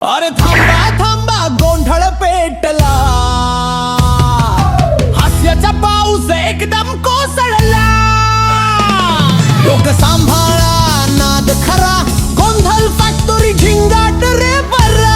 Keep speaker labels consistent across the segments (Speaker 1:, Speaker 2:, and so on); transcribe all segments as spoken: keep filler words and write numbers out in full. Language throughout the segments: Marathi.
Speaker 1: अरे थांबा थांबा गोंधळ पेटला, हास्याचा पाऊस एकदम कोसळला. लोक सांभाळा नाद खरा, गोंधळ फॅक्टोरी झिंगाट रे बरा.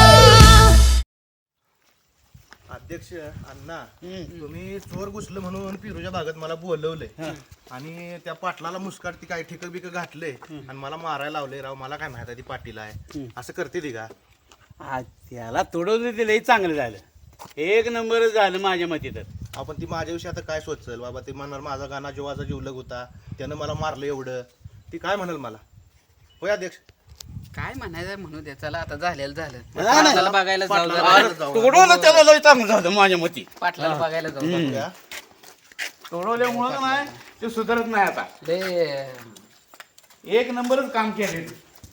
Speaker 2: अध्यक्ष अण्णा, तुम्ही चोर घुसलं म्हणून पिरूच्या भागात मला बोलवलंय आणि त्या पाटलाला मुस्काट ती काय ठिक बिक घातले आणि मला मारायला लावले. राव मला काय माहिती ती पाटील आहे असं करते ती का?
Speaker 3: त्याला तोडवलं ते लई चांगलं झालं, एक नंबर झालं माझ्या मते. तर
Speaker 2: आपण ती माझ्याविषयी आता काय सोचल बाबा? ते म्हणणार माझा गाणा जीवाचा जीवलग होता, त्यानं मला मारलं एवढं. ती काय म्हणाल मला? होय अध्यक्ष,
Speaker 4: काय म्हणायचं म्हणू दे. चला आता झालेलं झालं.
Speaker 3: नाही, नाही.
Speaker 4: पाटलाला बघायला जाऊ
Speaker 2: पाटलाला
Speaker 4: जरा.
Speaker 2: जाऊ.
Speaker 3: तोडवलं त्याला लई चांगलं झालं माझ्या मते.
Speaker 4: पाटलाला बघायला जाऊ जरा.
Speaker 2: बघूया.
Speaker 3: तोडवल्यामुळं नाही ते सुधारत नाही आता.
Speaker 4: लय
Speaker 3: एक नंबरच काम केले.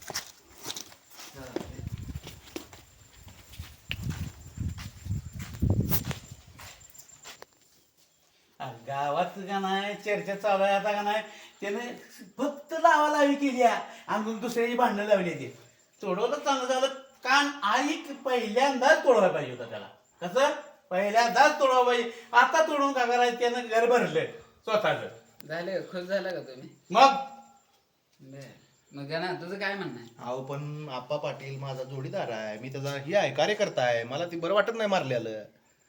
Speaker 3: गावात का नाही चर्चा चालू आहे आता का नाही, त्याने फक्त लावा लावी केली आहे आणि दुसऱ्याची भांडणं लावली. ते तोडवलं चांगलं झालं. कान आई पहिल्यांदाच तोडवायला पाहिजे होता त्याला. कसं पहिल्यांदाच तोडवा पाहिजे. आता तोडून का करायचं? त्यानं घर भरलं स्वतःच.
Speaker 4: झालं. खुश झालं का तुम्ही?
Speaker 3: मग
Speaker 4: बर. मग ना तुझं काय म्हणणं आहे?
Speaker 2: अहो पण आप्पा पाटील माझा जोडीदार आहे, मी त्याचा ही आहे कार्यकर्ता आहे, मला ती बरं वाटत नाही मारलेलं.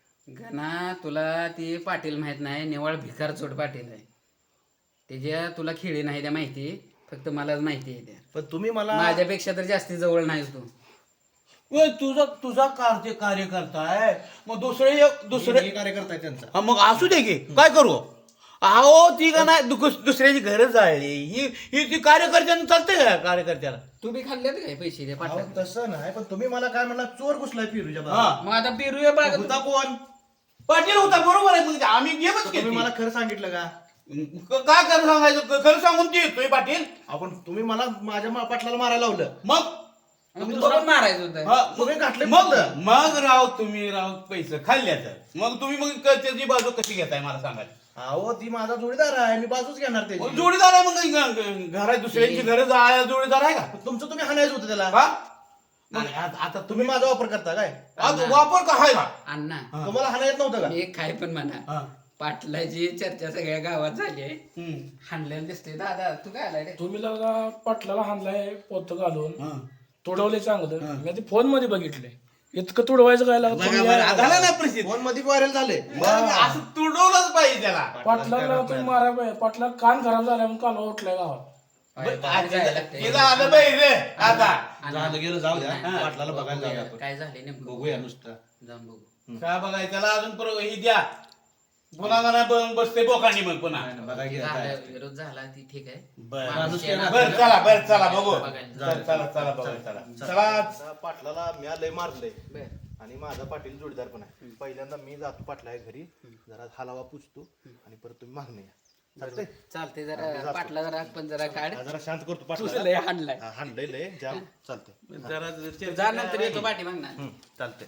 Speaker 4: गणा तुला ती पाटील माहित नाही, निवळ भिकार चोट पाटील आहे. त्याच्या तुला खेळी नाही त्या माहिती, फक्त मलाच माहिती आहे त्या.
Speaker 2: पण तुम्ही मला
Speaker 4: माझ्यापेक्षा तर जास्ती जवळ नाहीस तू.
Speaker 3: ओय, तुझा तुझा कार्य कार्यकर्ता आहे, मग दुसरे एक- दुसरे
Speaker 2: हे कार्यकर्ता आहे त्यांचा.
Speaker 3: हा, मग असू दे की काय करू? अहो ती का नाही दुस- दुसऱ्याची घरं जाळली, ही ही ती कार्यकर्त्यानं चालते का? कार्यकर्त्याला
Speaker 4: तू बी खाल्ल्यात काय पैसे त्या
Speaker 2: अहो,
Speaker 4: पाटला?
Speaker 2: तसं नाही, पण तुम्ही मला काय म्हणला? चोर घुसलाय पिरूच्या
Speaker 3: हा.
Speaker 2: भागात.
Speaker 4: मग आता पेरूया बाग
Speaker 2: होता कोण?
Speaker 3: पाटील होता, बरोबर आहे. मग आम्ही गेमच
Speaker 2: तुम्ही
Speaker 3: केली.
Speaker 2: मला खरं सांगितलं का?
Speaker 3: क- काय खरं सांगायचं? खरं सांगून ते येतोय पाटील.
Speaker 2: आपण तुम्ही मला माझ्या मा- पाटलाला मारायला लावलं.
Speaker 3: मग
Speaker 4: तुला पण मारायचं होतं.
Speaker 3: हा,
Speaker 2: तुम्ही घातले
Speaker 3: मग
Speaker 2: फक्त.
Speaker 3: मग राव तुम्ही राव पैसे खाल्ल्याचं. मग तुम्ही मग क- त्याची बाजू कशी घेताय मला सांगा.
Speaker 2: अहो ती माझा जोडीदार आहे, मी बाजूच घेणार
Speaker 3: मग
Speaker 2: त्याची.
Speaker 3: जोडीदार आहे, मग ग- ग- घरात दुसऱ्यांची घरं जायला जोडीदार आहे का?
Speaker 2: तुमचं तुम्ही हाणायचं होतं त्याला.
Speaker 3: हा? मग आता आता
Speaker 2: तुम्ही माझा वापर करता काय?
Speaker 3: आता वापर का आहे का?
Speaker 4: अण्णा
Speaker 2: तुम्हाला हाणा येत नव्हतं का?
Speaker 4: मी एक काय पण म्हणा,
Speaker 3: हा.
Speaker 4: पाटलाची चर्चा सगळ्या गावात झाली आहे.
Speaker 3: हम्म.
Speaker 4: हाणलेलं दिसते. दादा तू काय आलाय रे?
Speaker 5: तुम्ही लगा पाटलाला हाणलाय पोत घालून,
Speaker 3: हा.
Speaker 5: तोडवले चांगलं. मी ते फोन मध्ये बघितले. इतकं तोडवायचं काय लागत?
Speaker 3: बघा बरं, झाला ना प्रसिद्ध.
Speaker 2: फोन मध्ये व्हायरल झाले.
Speaker 3: मग असं तुडवलंच पाहिजे त्याला.
Speaker 5: पाटलाला तुम्ही मारा पाहिजे. पाटला कान खराब झाला म्हणून कालवा उठलाय गावात.
Speaker 4: बाहेर जायला लागतंय.
Speaker 3: हे झालं पाहिजे आता.
Speaker 2: झालं गेलं, जाऊ द्या. पाटलाला बघायला जाऊया आपण.
Speaker 4: काय झाले नेमकं
Speaker 2: बघूया नुसतं.
Speaker 4: जाऊन बघू.
Speaker 3: काय बघायचं त्याला अजून परत ही द्या. पुन्हा मला ब- बसते बोकांनी मग पुन्हा.
Speaker 2: बघा गेलं काय.
Speaker 4: झालं, विरोध झाला ती ठीक आहे.
Speaker 3: बरं
Speaker 4: माणूस येणार.
Speaker 3: बरं, चला बरं चला बघू.
Speaker 4: बघायला.
Speaker 3: चला चला चला बघू चला. चला
Speaker 2: आता पाटलाला मी लय मारलंय
Speaker 4: बर.
Speaker 2: आणि माझा पाटील जोडीदार पण आहे. पहिल्यांदा मी जातो पाटला घरी, जरा हलावा पुसतो आणि परत तुम्ही मागणे या. चालतंय?
Speaker 4: चालते जरा पाटला जरा पण जरा काढ.
Speaker 2: हा, जरा शांत करतो
Speaker 4: तुझं
Speaker 2: पाटला.
Speaker 4: लय हाणलाय.
Speaker 2: हाणलंय लय जाम. चालतंय.
Speaker 3: जरा
Speaker 4: जा नंतर येतो पाठी मग ना.
Speaker 2: हम्म, चालतंय.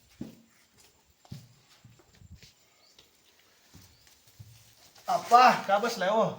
Speaker 2: अप्पा का बसलाय हो?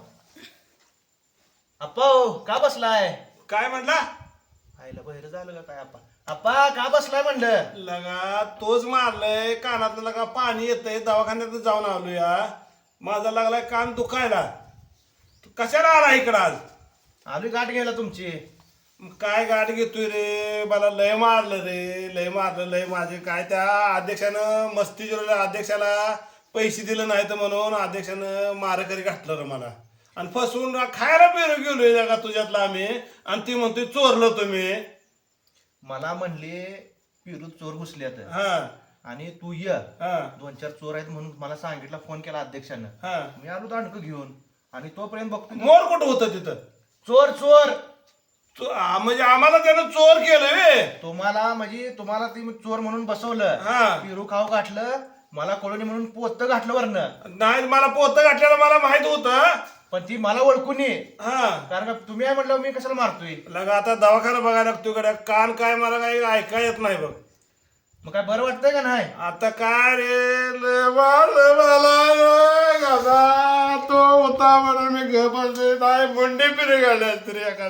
Speaker 2: अप्पा हो, का बसलाय?
Speaker 6: काय म्हणला?
Speaker 2: आईला बहिर झालं का काय? अप्पा अप्पा का बसलाय म्हणलं?
Speaker 6: लगा तोच मारलंय कानातलं लगा पाणी येतंय, दवाखान्यात जाऊन आलो या. माझा लागलाय कान दुखायला. तू कशाला आला इकडं आज?
Speaker 2: आलोय गाठ घ्यायला तुमची.
Speaker 6: मग काय गाठ घेतोय रे? मला लय मारलं रे, लय मारलं लय. माझे काय त्या अध्यक्षानं मस्ती जिरवल्या. अध्यक्षाला पैसे दिले नाहीत म्हणून अध्यक्षानं मारेकरी घातलं रे मला आणि फसवून खायला पेरू गेलोय लगा तुझ्यातला आम्ही. आणि ती म्हणतोय चोरलं तुम्ही.
Speaker 2: मला म्हणले पिरू चोर घुसल्यात
Speaker 6: हा
Speaker 2: आणि तू ये.
Speaker 6: हा
Speaker 2: दोन चार चोर आहेत म्हणून मला सांगितलं, फोन केला अध्यक्षानं.
Speaker 6: हा.
Speaker 2: मी आलो दांडक घेऊन आणि तोपर्यंत बघतो
Speaker 6: मोर कुठं होतं तिथं?
Speaker 2: चोर चोर.
Speaker 6: चो- आ- म्हणजे आम्हाला त्यानं चोर केलं रे.
Speaker 2: तुम्हाला म्हणजे तुम्हाला ती चोर म्हणून बसवलं.
Speaker 6: हा.
Speaker 2: पिरू खाऊ घातलं, मला कळून म्हणून पोत घातलं वरनं.
Speaker 6: नाही मला पोतं घातलेलं मला माहित होतं.
Speaker 2: पण ती मला ओळखून ये,
Speaker 6: हा
Speaker 2: कारण का तुम्ही आहे म्हटलं मी कशाला मारतोय.
Speaker 6: लगा आता दवाखाना बघायला लागतो गड्या. कान काय मला काही ऐका येत नाही बघ.
Speaker 2: मग काय बरं वाटतंय का नाही?
Speaker 6: आता काय रे लय मारलं मला रे गधा. तो होता म्हणून मी घर बसले नाही मुंडी फिरे घालल्या तरी एखाद्याची.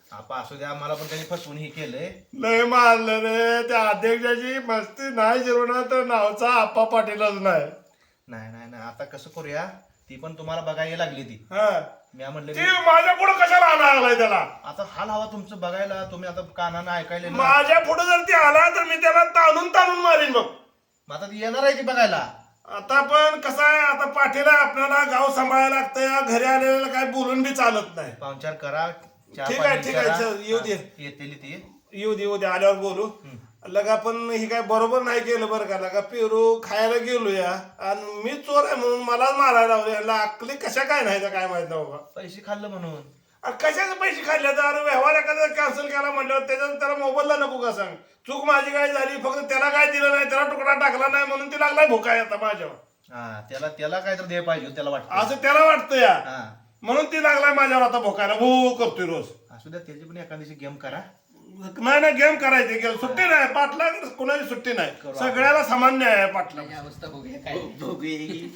Speaker 2: आपा असू द्या, मला पण त्यांनी फसवून हे केलंय.
Speaker 6: लय मारलं रे त्या अध्यक्षाची मस्ती नाही जिरवणार तर नावचा आप्पा पाटीलच नाही.
Speaker 2: नाही नाही नाही, आता कसं करूया, ती पण तुम्हाला बघायला लागली ती.
Speaker 6: हा
Speaker 2: मी म्हणलं
Speaker 6: ती माझ्या पुढे कशाला आणायला लागलाय त्याला?
Speaker 2: आता हाल हवा तुमचं बघायला, तुम्ही आता कानानं ऐकायला ना.
Speaker 6: माझ्या पुढे जर ती आला तर मी त्याला ताणून ताणून मारीन बघ.
Speaker 2: मग आता ती येणार आहे ती बघायला.
Speaker 6: आता पण कसं आहे, आता पाटील आपल्याला गाव सांभाळायला लागतं. घरी आलेलं काय बोलून बी चालत नाही.
Speaker 2: पाहुणचार करा, चहा
Speaker 6: ठीक आहे
Speaker 2: पाणी
Speaker 6: ठीक आहे
Speaker 2: करा.
Speaker 6: चल, येऊ दे
Speaker 2: येतेली ती.
Speaker 6: येऊ दे येऊ दे आल्यावर बोलू. लगा पण ही काय बरोबर नाही केलं बरं का. लगा पेरू खायला गेलो या आणि मी चोर आहे म्हणून मलाच मारायला लावले. याला अक्कली कशा काय नाही तर काय माहित नाही बाबा.
Speaker 2: पैसे खाल्लं म्हणून.
Speaker 6: अरे कशाचे पैसे खाल्ले तर? अरे व्यवहार एखादा कॅन्सल केला म्हटल्यावर त्याच्यात त्याला मोबाईलला नको का सांग. चूक माझी काय झाली, फक्त त्याला काय दिलं नाही, त्याला तुकडा टाकला नाही म्हणून ती लागलाय भुकाय आता माझ्यावर.
Speaker 2: हा, त्याला त्याला काय तर दे पाहिजे त्याला वाटतं.
Speaker 6: असं त्याला वाटतं या,
Speaker 2: हा,
Speaker 6: म्हणून ती लागलाय माझ्यावर आता भोकायला. भू करतोय रोज.
Speaker 2: असू द्या, त्याची पण एखाद्याची गेम करा.
Speaker 6: नाही नाही गेम करायची गेम. सुट्टी नाही पाटला, कोणाची सुट्टी नाही. सगळ्याला सामान्य आहे पाटला.
Speaker 4: ही अवस्था बघूया काय.
Speaker 3: बघूया.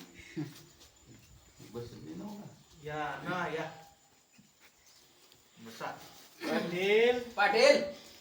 Speaker 2: या ना या. बसा.
Speaker 6: पाटील
Speaker 4: पाटील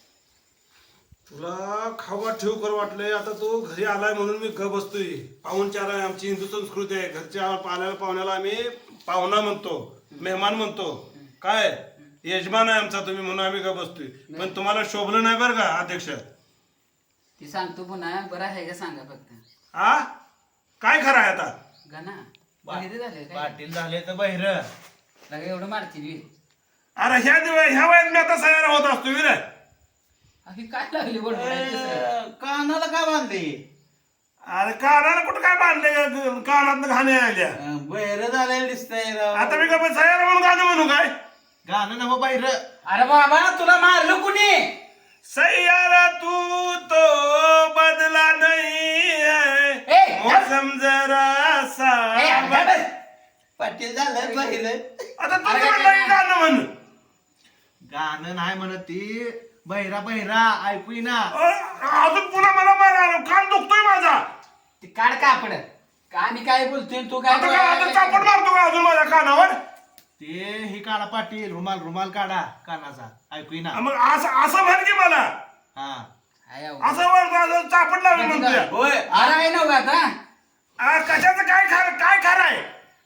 Speaker 6: तुला खावा ठेव कर वाटलंय. आता तू घरी आलाय म्हणून मी घ बसतोय. पाहुणचार आहे, आमची हिंदू संस्कृती आहे. घरच्या पाल्याला पाहुण्याला आम्ही पाहुणा म्हणतो, मेहमान म्हणतो. काय यजमान आहे आमचा तुम्ही म्हणून आम्ही घ बसतोय. पण तुम्हाला शोभलं नाही बरं का अध्यक्ष.
Speaker 4: ती सांगतो पुन्हा, बरं आहे का सांगा फक्त.
Speaker 6: हा काय खरं आहे आता?
Speaker 4: गाना बहिरे झाले काय?
Speaker 2: पाटील झाले तर बहिर.
Speaker 4: लगा एवढं मारतील बी.
Speaker 6: अरे ह्या दिवस ह्या वयात मी आता सयार होत असतो विरे.
Speaker 4: अहो, काय लागली बडबडायची सर?
Speaker 3: कानाला काय बांधले?
Speaker 6: अरे कानाला कुठं काय बांधले कानात घाणे आल्या.
Speaker 3: बहिर झालेलं दिसतंय राव.
Speaker 6: आता मी काय सयार म्हणून गाणं म्हणू काय?
Speaker 2: गाणं नव बहिर.
Speaker 4: अरे बाबा तुला मारलं कुणी?
Speaker 6: सैयारा तू तो बदला नहीं है,
Speaker 4: ए,
Speaker 6: मौसम जरा सा.
Speaker 4: ए, अरे बस.
Speaker 3: पाटील झालं बहिर.
Speaker 6: आता तू म्हणलं गाणं म्हण.
Speaker 2: गाणं नाही म्हणत ती, बहिरा बहिरा ऐकू ना.
Speaker 6: अजून पुन्हा मला मारा, कान दुखतोय माझा.
Speaker 4: ती काढ कापड. का आम्ही काय बोलतोय तू काय
Speaker 6: आता काय आता चापट मारतो का अजून माझ्या कानावर?
Speaker 2: ते हे काढा पाटील, रुमाल रुमाल काढा कानाचा, ऐकू ना.
Speaker 6: मग असं असं म्हण की मला.
Speaker 2: हा,
Speaker 4: हाय अहो.
Speaker 6: असं वर असं चापट लावून म्हणतोय.
Speaker 3: होय
Speaker 4: अरे आहे नव्ह आता.
Speaker 6: आ, कशाचं काय खरं काय खरं आहे?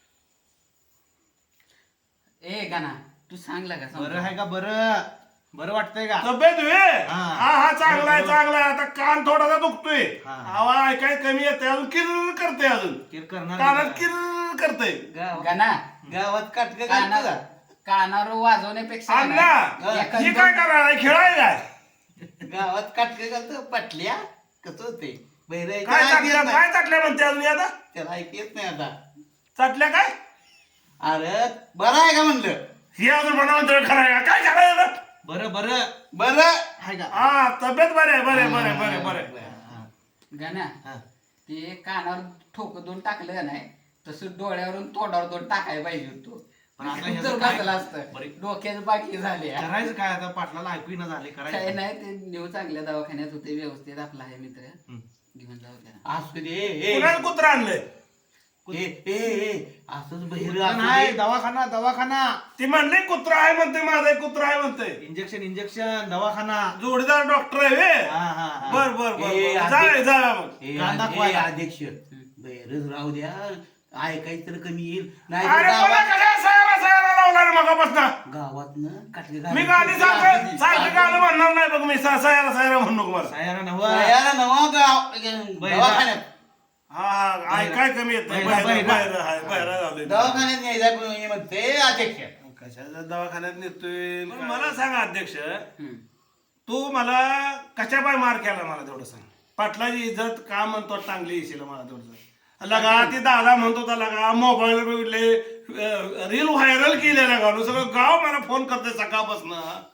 Speaker 4: ए गाना तू सांगला का
Speaker 2: बरं आहे का? बरं बरं वाटतंय का?
Speaker 6: तब्येत वे
Speaker 2: हा.
Speaker 6: हा हा चांगला आहे चांगला आहे. आता कान थोडासा दुखतोय,
Speaker 2: हा.
Speaker 6: आवाज ऐकाय कमी येते, अजून किर करते, अजून
Speaker 2: किर करणार
Speaker 6: कानात
Speaker 2: नाही का?
Speaker 6: किर करते.
Speaker 3: गाव
Speaker 4: गाना
Speaker 3: गावात काटक
Speaker 4: काना
Speaker 3: घालतो का?
Speaker 4: कानावर वाजवण्यापेक्षा
Speaker 6: अण्णा
Speaker 4: ना, एखादं-
Speaker 6: ही काय करायला खेळाय काय?
Speaker 3: गावात काटक घालतो पटल्या कसं होते बहिर
Speaker 6: काय चाटल्या काय चाटल्या म्हणते अजून आता?
Speaker 3: त्याला ऐक येत नाही आता.
Speaker 6: चाटल्या काय?
Speaker 3: अरे बरं आहे का म्हणलं?
Speaker 6: ही अजून म्हणा म्हणतोय खरं आहे का? काय करायचं?
Speaker 2: बरं बरं
Speaker 3: बरं
Speaker 2: आहे का?
Speaker 6: हा तब्येत बरे आहे बरे बरे बरे बरे.
Speaker 4: गाना
Speaker 2: हा.
Speaker 4: ते कानावर ठोक दोन टाकलं का नाही तसं डोळ्यावरून तोंडावर दोन टाकायला पाहिजे होतो.
Speaker 2: पण आता
Speaker 4: तर
Speaker 2: ह्याचं काय-
Speaker 4: बसलं असतं
Speaker 2: बरं.
Speaker 4: डोक्यात बाकी झाले
Speaker 2: करायचं काय आता? पाटलाला ऐकू ना झाले,
Speaker 4: काय
Speaker 2: करायचं
Speaker 4: नाही ते नेऊ चांगल्या दवाखान्यात होते व्यवस्थित. आपला आहे मित्र
Speaker 2: हम्म.
Speaker 4: घेऊन जाऊ त्याला.
Speaker 3: असू दे ए,
Speaker 6: कुणाला कुत्रा आणलंय?
Speaker 3: ए, ए, ए, असंच बहिर
Speaker 2: कुठं नाही, दवाखाना दवाखाना,
Speaker 6: ती म्हणले कुत्रा आहे म्हणते, माझा एक कुत्रा आहे म्हणते.
Speaker 2: इंजेक्शन इंजेक्शन दवाखाना.
Speaker 6: जोडीदार डॉक्टर आहे वे.
Speaker 2: हा हा हा.
Speaker 6: बर बर बर
Speaker 3: ए,
Speaker 6: बर.
Speaker 3: आधी-
Speaker 6: जाऊया जाऊया मग.
Speaker 2: कान दाखवायला.
Speaker 3: अध्यक्ष बहिरच राहू द्या, ऐकायचं तर कमी येईल. नाही
Speaker 6: अरे मला
Speaker 3: गावात
Speaker 6: कशा सयारा सयारा लावला रे मगापासून?
Speaker 3: गावातनं काटके
Speaker 6: मी गाडी सारखं सारखं गाणं म्हणणार नाही बघ. मी सा- सयारा सयारा म्हणू नको मला.
Speaker 2: सायारा नव.
Speaker 3: याला नवा गाव
Speaker 2: बहिरा.
Speaker 3: दवाखान्यात
Speaker 6: हा हा ऐकाय कमी येत नाही.
Speaker 2: बहिरा,
Speaker 6: बाहेर
Speaker 2: बहिरा.
Speaker 6: बाहेर आहे, बाहेर झालोय.
Speaker 3: दवाखान्यात न्यायचा पण हे म्हणते अध्यक्ष.
Speaker 6: कशाच्या दवाखान्यात नेतोय? पण मला सांग अध्यक्ष,
Speaker 4: हम्म.
Speaker 6: तू मला कशा पाय मार केला मला तेवढं सांग. पाटलाची इज्जत का म्हणतो चांगली येशील मला तेवढं सांग. लगा ती दादा म्हणतो होता लगा मोबाईल बघितले, रील व्हायरल केलेल्या गाव सगळं गाव मला फोन करते सकाळपासून.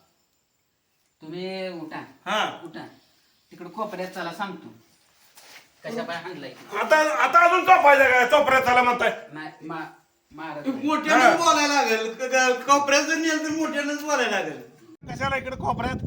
Speaker 4: तुम्ही उठा
Speaker 6: हा
Speaker 4: उठा तिकडे कोपऱ्यात चला सांगतो कशा पाय हाणलाय.
Speaker 6: आता आता अजून चोपायचं काय? चोपऱ्यात चला म्हणताय.
Speaker 4: नाही मा मारत नाही.
Speaker 3: मोठ्यानंच बोलायला लागेल. क- क- कोपऱ्यात जर नेलं तर मोठ्यानंच बोलायला लागेल.
Speaker 6: कशाला इकडे कोपऱ्यात?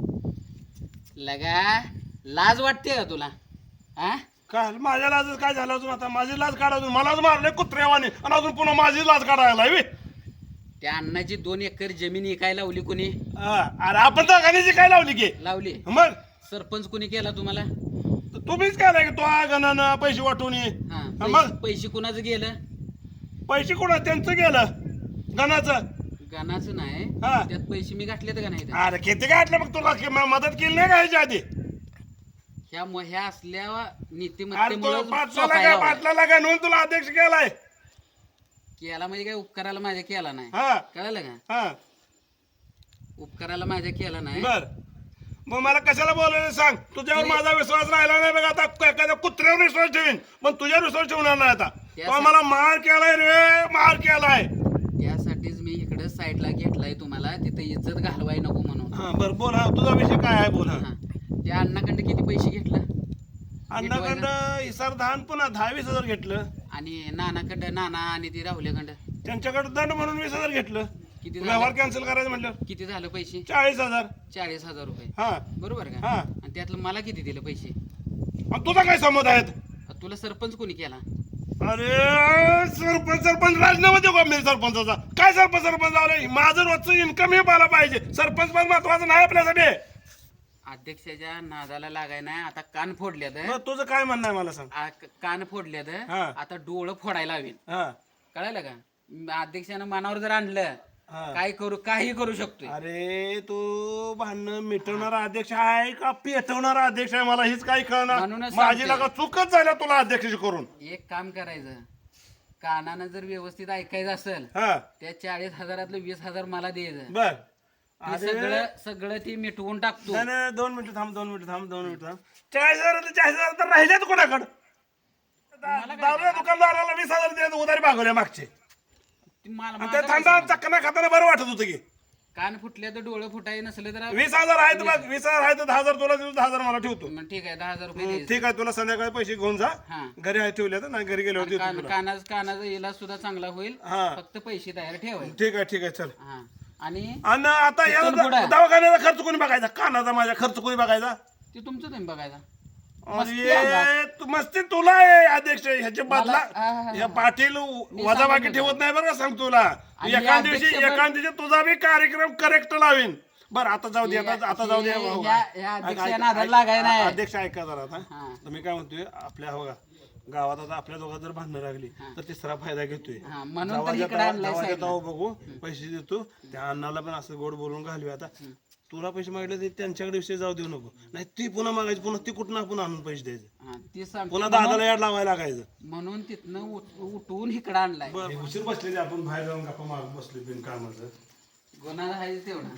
Speaker 4: लगा लाज वाटते का तुला? हा
Speaker 6: काय माझ्या लाज काय झालं अजून? आता माझी लाज काढा, अजून मलाच मारले कुत्र्यावाने आणि अजून पुन्हा माझी लाज काढायला हवी.
Speaker 4: त्या अण्णाची दोन एकर जमीन इकायला लावली कोणी
Speaker 6: हा, अरे आपण तर गाण्याची काय लावली की
Speaker 4: लावली
Speaker 6: मग
Speaker 4: सरपंच कोणी केला तुम्हाला
Speaker 6: तुम्हीच काय की तो गणानं पैसे वाटून ये.
Speaker 4: हा
Speaker 6: हा,
Speaker 4: पैसे-
Speaker 6: मग
Speaker 4: पैसे कुणाचं गेलं
Speaker 6: पैसे कोणा त्यांचं गेलं गणाचं.
Speaker 4: गाणाचं नाही
Speaker 6: हा.
Speaker 4: त्यात पैसे मी घातलेत का नाही
Speaker 6: अरे किती काय मग तुला कि- म- मदत केली नाही का ह्याच्या आधी.
Speaker 4: ह्या म- ह्या असल्या
Speaker 6: अरे तो
Speaker 4: नीतिमत्तेमुळे
Speaker 6: पाटलाला काय पाटलाला काय म्हणून तुला अध्यक्ष केलाय.
Speaker 4: केला म्हणजे काय उपकाराला माझ्या केला नाही
Speaker 6: हा
Speaker 4: कळलं का
Speaker 6: हा
Speaker 4: उपकाराला माझ्या केला नाही
Speaker 6: बर मग मला कशाला बोलायला सांग. तुझ्यावर माझा विश्वास राहिला नाही बघ. आता एखाद्या कुत्र्यावर विश्वास ठेवीन पण तुझ्यावर विश्वास ठेवणार नाही आता. तो मला मार केलाय रे मार केलाय.
Speaker 4: त्यासाठीच मी इकडे साईडला घेतलाय तुम्हाला तिथे इज्जत घालवाय नको म्हणून
Speaker 6: हा बर बोल हा तुझा विषय काय आहे बोल. हा
Speaker 4: हा त्या अण्णाकडे किती पैसे घेतलं
Speaker 6: अण्णाकडं इसार धान पुन्हा दहा वीस हजार घेतलं.
Speaker 4: आणि नानाकडं नाना आणि ती राहुल्याकडं
Speaker 6: त्यांच्याकडे दंड म्हणून वीस हजार घेतलं.
Speaker 4: किती
Speaker 6: व्यवहार
Speaker 4: झालं
Speaker 6: कॅन्सल करायचं म्हटलं
Speaker 4: किती झालं पैसे
Speaker 6: चाळीस हजार.
Speaker 4: चाळीस हजार रुपये
Speaker 6: हा
Speaker 4: बरोबर का
Speaker 6: हा.
Speaker 4: आणि त्यातलं मला किती दिले पैसे
Speaker 6: आणि तुझा काय संमत आहेत.
Speaker 4: तुला सरपंच कोणी केला
Speaker 6: अरे सरपंच सरपंच राजीनामा देऊ का मी सरपंचाचा. काय सरपंच सरपंच झालं माझं रोजचं इन्कम हे मला पाहिजे. सरपंच पण महत्वाचं नाही आपल्यासाठी.
Speaker 4: अध्यक्षाच्या नादाला लागाय नाही आता कान फोडल्यात
Speaker 6: मग तुझं काय म्हणणं आहे मला सांग.
Speaker 4: आ- क- कान फोडल्यात
Speaker 6: हा.
Speaker 4: आता डोळं फोडायला हवीन
Speaker 6: हा
Speaker 4: कळालं का म- अध्यक्षानं मनावर जर आणलं
Speaker 6: हा.
Speaker 4: काय करू काही करू शकतोय
Speaker 6: अरे तू भांडण मिटवणारा अध्यक्ष आहे का पेटवणारा अध्यक्ष आहे मला हीच काही कळणार.
Speaker 4: म्हणूनच
Speaker 6: माझी
Speaker 4: सांगतोय.
Speaker 6: लागा चुकच झाल्या तुला अध्यक्ष करून.
Speaker 4: एक काम करायचं कानानं जर व्यवस्थित ऐकायचं असेल
Speaker 6: हा
Speaker 4: त्या चाळीस हजारातलं वीस हजार मला द्यायचं
Speaker 6: बर
Speaker 4: ते
Speaker 6: अरे
Speaker 4: सगळं सगळं ती मिटवून टाकतो
Speaker 6: नाही, नाही, दोन मिनिटं थांब दोन मिनिटं थांब दोन मिनिटं थांब. चाळीस हजार चाळीस हजार तर राहिलेत कोणाकडं. दारूच्या दुकानदाराला वीस हजार देत उधारी भागवल्या मागचे.
Speaker 4: ती मला
Speaker 6: आणि
Speaker 4: माझा
Speaker 6: ते थंडा
Speaker 4: पैसा
Speaker 6: चकना खाताना बरं वाटत होतं की
Speaker 4: नाही. कान फुटले तर डोळं फुटाय नसले तर
Speaker 6: वीस हजार आहेत बघ वीस हजार आहेत दहा हजार तुला देतो दहा हजार मला ठेवतो.
Speaker 4: मग ठीक आहे दहा हजार रुपये
Speaker 6: हं,
Speaker 4: द्यायचे.
Speaker 6: ठीक आहे तुला संध्याकाळी पैसे घेऊन जा.
Speaker 4: हा
Speaker 6: घरी आहे ठेवले तर नाही घरी गेल्यावर देतो
Speaker 4: कान
Speaker 6: तुला.
Speaker 4: कानाच कानाचा इलाज सुद्धा चांगला होईल
Speaker 6: हा
Speaker 4: फक्त पैसे तयार ठेवायचे
Speaker 6: ठीक आहे ठीक आहे चल.
Speaker 4: हा आणि
Speaker 6: आणि आता या
Speaker 4: तिथून पुढं.
Speaker 6: दवाखान्याचा खर्च कोणी बघायचा कानाचा माझ्या खर्च कोणी बघायचा.
Speaker 4: ते तुमचं तुम्ही बघायचा मस्ती आहे
Speaker 6: अरे तू मस्ती तुला आहे अध्यक्ष ह्याचे बदला
Speaker 4: हा, हा, हा.
Speaker 6: या पाटील वजाबाकी
Speaker 4: सांगतो
Speaker 6: ठेवत नाही बरं का सांग तुला.
Speaker 4: आणि
Speaker 6: एका
Speaker 4: या
Speaker 6: दिवशी
Speaker 4: अध्यक्ष
Speaker 6: एका दिवशी तुझा बी कार्यक्रम करेक्ट लावीन. बरं आता जाऊ दे आता आता जाऊ दे.
Speaker 4: हे-
Speaker 6: हो,
Speaker 4: ह्या-
Speaker 6: ऐक-
Speaker 4: ह्या
Speaker 6: ऐक-
Speaker 4: अध्यक्षाला
Speaker 6: ऐक-
Speaker 4: नादाला
Speaker 6: ऐक-
Speaker 4: लागाय नाही.
Speaker 6: अध्यक्ष ऐका जरा आता.
Speaker 4: हा.
Speaker 6: तर मी काय म्हणतोय आपल्या हो का गावात आता आपल्या दोघात जर भांडणं लागली तर तिसरा फायदा घेतोय.
Speaker 4: हा, म्हणून तर
Speaker 6: जावाच्या
Speaker 4: इकडे
Speaker 6: तावा-
Speaker 4: आणलंय
Speaker 6: जावाच्या
Speaker 4: साईडला.
Speaker 6: तावा बघू पैसे देतो त्या अण्णाला पण असं गोड बोलून घालूया. आता तुला पैसे मागितले ते त्यांच्याकडे विषय जाऊ देऊ नको. नाही ती पुन्हा मागायची पुन्हा ती कुठं आपण आणून पैसे द्यायचे.
Speaker 4: हा, ते सांगतो
Speaker 6: पुन्हा दादाला याड लावायला लागायचं.
Speaker 4: म्हणून तिथनं उठ- उठवून इकडं आणलाय
Speaker 6: बरं उशीर बसलेली आपण बाहेर जाऊन गप्पा मारत बसलो बिन कामाचं.
Speaker 4: गुन्हा आहे तेवढा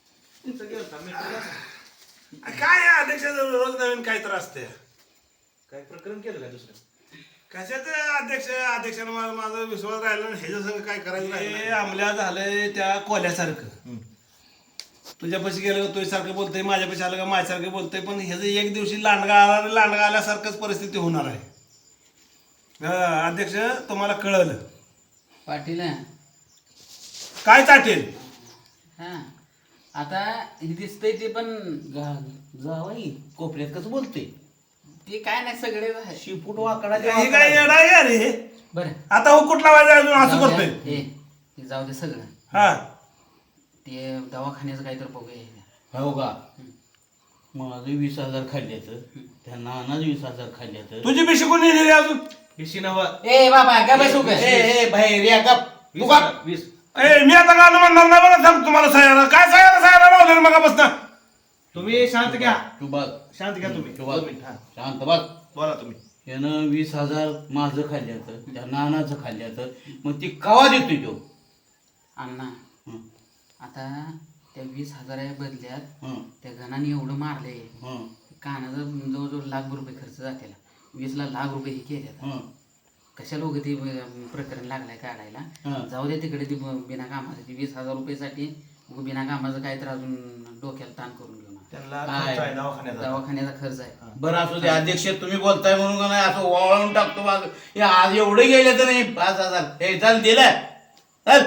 Speaker 6: काय आहे अध्यक्षाचं रोज नवीन काय तर असते.
Speaker 2: काय प्रकरण केलं का दुसरं.
Speaker 6: कशाच अध्यक्ष अध्यक्षानं माझा माझा विश्वास राहिला नाही. ह्याच्या संग काय करायचं हे आमल्या झालंय त्या कोल्यासारखं. तुझ्यापाशी गेलं का तुझ्यासारखं बोलतोय माझ्यापाशी आलं का माझ्यासारखं बोलतोय पण ह्याचं एक दिवशी लांडगा आला आणि लांडगा आल्यासारखंच परिस्थिती होणार आहे. हा, अध्यक्ष तुम्हाला कळलं
Speaker 4: पाटील
Speaker 6: काय चाटेल.
Speaker 4: हा आता हे दिसतंय ते पण जावाई कोपऱ्यात कसं बोलतोय ते काय नाही सगळे शिपूट वाकडा
Speaker 6: हे काय येडा आहे का रे.
Speaker 4: बरं
Speaker 6: आता हो कुठला वाजा अजून असं
Speaker 4: जाऊ द्या.
Speaker 6: करतोय.
Speaker 4: हे हे जाऊ दे सगळं
Speaker 6: हा
Speaker 4: ते दवाखान्याचं काहीतरी बघूया
Speaker 3: हो का माझं वीस हजार खाल्ल्याचं त्या नानाच वीस हजार खाल्ल्याचं
Speaker 6: तुझी पिशी कोणी नेली अजून.
Speaker 2: विशी नवा
Speaker 4: ए बाबा का बसू का
Speaker 3: ए ए बाहेर या का तू का
Speaker 2: वीस
Speaker 6: ए मी आता गाणं म्हणणार नाही बरं सांग तुम्हाला सह्याला काय सह्याला सह्याला लावलं मगापासून.
Speaker 2: तुम्ही शांत घ्या
Speaker 3: तू बघ
Speaker 2: शांत घ्या तुम्ही
Speaker 3: तू
Speaker 2: दोन
Speaker 3: बघ
Speaker 2: मिनिट, हा.
Speaker 3: शांत बघ
Speaker 2: बोला तुम्ही.
Speaker 3: यानं वीस हजार माझं खाल्ल्याचं त्या नानाचं खाल्ल्याचं मग ती कवा देतोय तो.
Speaker 4: अण्णा
Speaker 3: हं,
Speaker 4: आता त्या वीस हजारा बदल्यात
Speaker 3: हं,
Speaker 4: त्या गणाने एवढं मारले
Speaker 3: हं,
Speaker 4: कानाचं जवळजवळ लाख रुपये खर्च जाते वीसला लाख रुपये हे केले
Speaker 3: हं.
Speaker 4: कशा लोक ते प्रकरण लागलाय काढायला
Speaker 3: हं.
Speaker 4: जाऊ दे तिकडे ती बिना कामाचं ती वीस हजार रुपयेसाठी बिना कामाचं काय तर अजून डोक्याला ताण करून घेऊन
Speaker 2: त्यांना
Speaker 3: काय?
Speaker 2: खर्च आहे दवाखान्याचा.
Speaker 4: दवाखान्याचा खर्च आहे
Speaker 3: बरं असू दे अध्यक्ष तुम्ही बोलताय म्हणून का नाही असं वळवून टाकतो माझं हे आज एवढे गेले तर नाही पाच हजार हे चाल दिलं चल.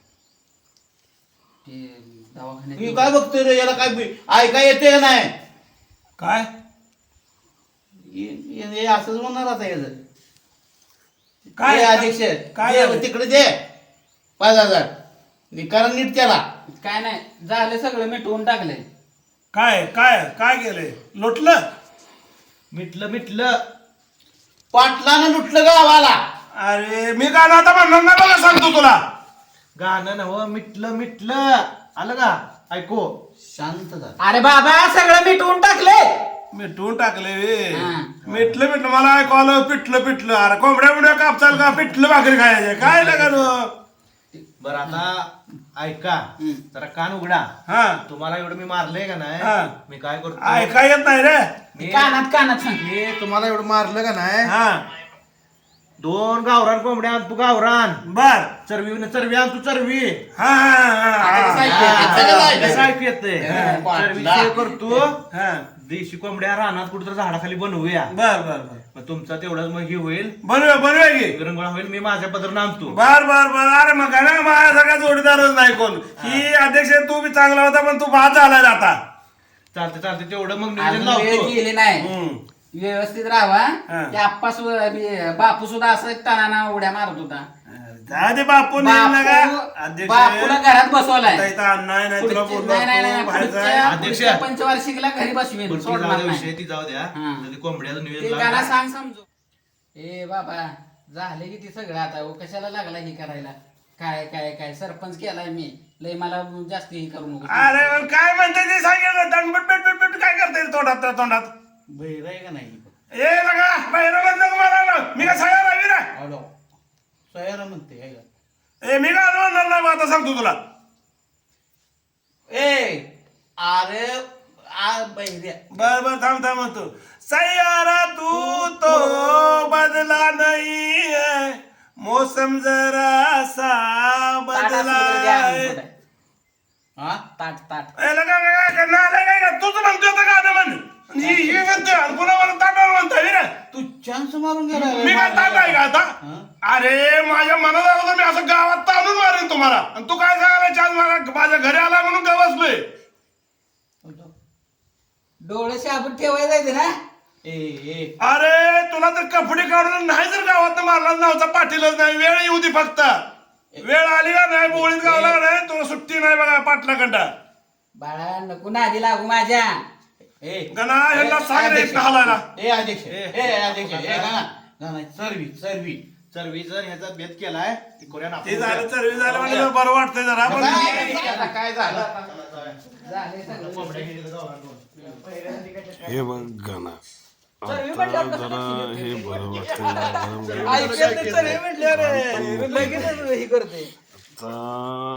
Speaker 4: ते दवाखान्यात
Speaker 3: मी काय बघतोय रे याला काय बी- ऐका येते का नाही
Speaker 6: काय
Speaker 3: हे- हे हे असंच म्हणणार आता याचं
Speaker 6: काय?
Speaker 3: हे अध्यक्ष
Speaker 6: काय
Speaker 3: दे,
Speaker 6: झालं?
Speaker 3: तिकडे दे पाच हजार निकाल नीट केला.
Speaker 4: काय नाही झालं सगळं मिटवून टाकलंय.
Speaker 6: काय काय काय केलंय लोटलं
Speaker 2: मिटलं मिटलं
Speaker 3: पाटलानं लुटलं गावाला.
Speaker 6: अरे मी काय आता म्हणणार नाही बघा सांगतो तुला
Speaker 2: गाणं नव मिटलं मिटलं आलं का ऐको
Speaker 3: शांत झाला.
Speaker 4: अरे बाबा सगळं मिटवून टाकले.
Speaker 6: मिटवून टाकले वे
Speaker 4: हा.
Speaker 6: मिटलं मिटलं मला ऐकवलं पिटलं पिटलं अरे कोंबड्या बिंबड्या कापचाल का पिटलं भाकरी खायचे काय लागा
Speaker 2: बर आता ऐका जरा कान उघडा.
Speaker 6: हा
Speaker 2: तुम्हाला एवढं मी मारलंय का
Speaker 6: हा.
Speaker 2: नाही मी काय करतो
Speaker 6: ऐका येत नाही रे
Speaker 2: मी-
Speaker 4: कानात कानात सांग.
Speaker 2: मी तुम्हाला एवढं मारलं का नाही
Speaker 6: हा
Speaker 2: दोन गावरान कोंबड्या आण तू गावरान
Speaker 6: बर
Speaker 2: चरवी न चरवी आण तू चरवी
Speaker 6: हा हा हा, हा
Speaker 2: कसं ऐकू येते
Speaker 3: पाटला.
Speaker 2: चरवी सेव करतो
Speaker 6: हा
Speaker 2: देशी कोंबड्या रानात कुठं झाडाखाली बनवूया
Speaker 6: बर बर बर
Speaker 2: मग तुमचा तेवढाच मग हे होईल
Speaker 6: बनवे बनवे की
Speaker 2: विरंगुळा होईल मी माझ्या पदर आणतो
Speaker 6: बर बर बर अरे मग ना माझ्यासारखा जोडीदारच नाही कोण ही अध्यक्ष तू बी चांगला होता पण तू बाद झालाय आता
Speaker 2: चालते चालते तेवढं मग नियोजन
Speaker 4: अजून वेळ
Speaker 2: लावतो
Speaker 4: गेली नाही.
Speaker 6: हम्म.
Speaker 4: व्यवस्थित राहावा.
Speaker 6: हा.
Speaker 4: ते आप्पा सुद्धा बी- बापू सुद्धा असं ताना उड्या मारत होता.
Speaker 6: जा दे बापू नाही ना का
Speaker 4: बापू बापूला घरात बसवलाय.
Speaker 6: आता इथं अण्णा नाही तुला
Speaker 4: पुढच्या-
Speaker 6: बोललो
Speaker 4: नाही नाही नाही
Speaker 6: तू बाहेर जा.
Speaker 4: पुढच्या-
Speaker 2: अध्यक्ष.
Speaker 4: पुढच्या पंचवार्षिकला घरी बसवेन
Speaker 2: पुढची
Speaker 4: सोडणार
Speaker 2: जाऊ द्या,
Speaker 4: नाही.
Speaker 2: विषय ती जाऊ द्या
Speaker 4: हा.
Speaker 2: तर ते कोंबड्याचं
Speaker 4: ते
Speaker 2: नियोजन
Speaker 4: गाणं
Speaker 2: लावा.
Speaker 4: सांग समजू. ए बाबा झाले की ते सगळं आता ओ, कशाला लागला हे करायला. काय काय काय सरपंच केलाय मी लय मला जास्त हे करू नको.
Speaker 6: अरे पण काय म्हणते ते सांगितलं तणबट बेट बेट बेट काय करते रे तोंडात त्या तोंडात
Speaker 3: बहिर आहे का नाही.
Speaker 6: ए लगा बाहेर बंद मला मी का सगळ्या रावी ना
Speaker 3: हॅलो सयारा म्हणते आहे का.
Speaker 6: ए मी का म्हणणार नाही मग आता सांगतो तुला
Speaker 3: ए अरे आ बहिऱ्या
Speaker 6: बर बर थांब थांब म्हणतो सयारा तू तो बदला नहीं है मौसम जरा सा
Speaker 4: ताट असलं
Speaker 6: बदला
Speaker 4: तर द्या
Speaker 6: है
Speaker 4: आणून पुढे.
Speaker 3: हा
Speaker 4: ताट ताट
Speaker 6: ए लगा काय करणार आहे काय का तूच म्हणतोय आता गाणं म्हण ही ही म्हणतोय आणि पुन्हा मला ताटावर म्हणतोय रे
Speaker 3: तू चान्स मारून गेला रे.
Speaker 6: मी काय ताट आहे का आता
Speaker 3: हा?
Speaker 6: अरे माझ्या मनात आलं तर मी असं गावात ताणून मारेन तुम्हाला आणि तू काय सांगायला चान्स मला माझ्या घरी आला म्हणून का बसलोय
Speaker 4: डोळे शाबूत ठेवायला जायचे ना.
Speaker 3: ए ए
Speaker 6: अरे तुला तर कपडे काढून नाही जर गावात मारला नव्हता पाटीलच नाही वेळ येऊ दे फक्त वेळ आली का नाही बोळीत गावला नाही तुला सुट्टी नाही बघा पाटलाकडं
Speaker 4: बाळा नको नादी लागू माझ्या.
Speaker 3: ए
Speaker 6: गणा ह्याला सांग रे एकटा हलायला
Speaker 3: ए अध्यक्ष ए अध्यक्ष ए गाना गाना सर्वी सर्वी
Speaker 2: चरवीचा ह्याचा भेद केलाय ते करूया ना आपण.
Speaker 6: ते झालं सर्वी झालं म्हणजे बरं वाटतंय जरा पण
Speaker 3: आता काय झालं
Speaker 4: झाले सगळं.
Speaker 2: कोंबड्या गेलेलं गावरान कोंबड्या.
Speaker 7: हे बघ गाणं आता जरा हे बरं वाटतं
Speaker 4: ऐकत नाही, चल हे म्हटलं रे लगेच हे करते.
Speaker 7: आता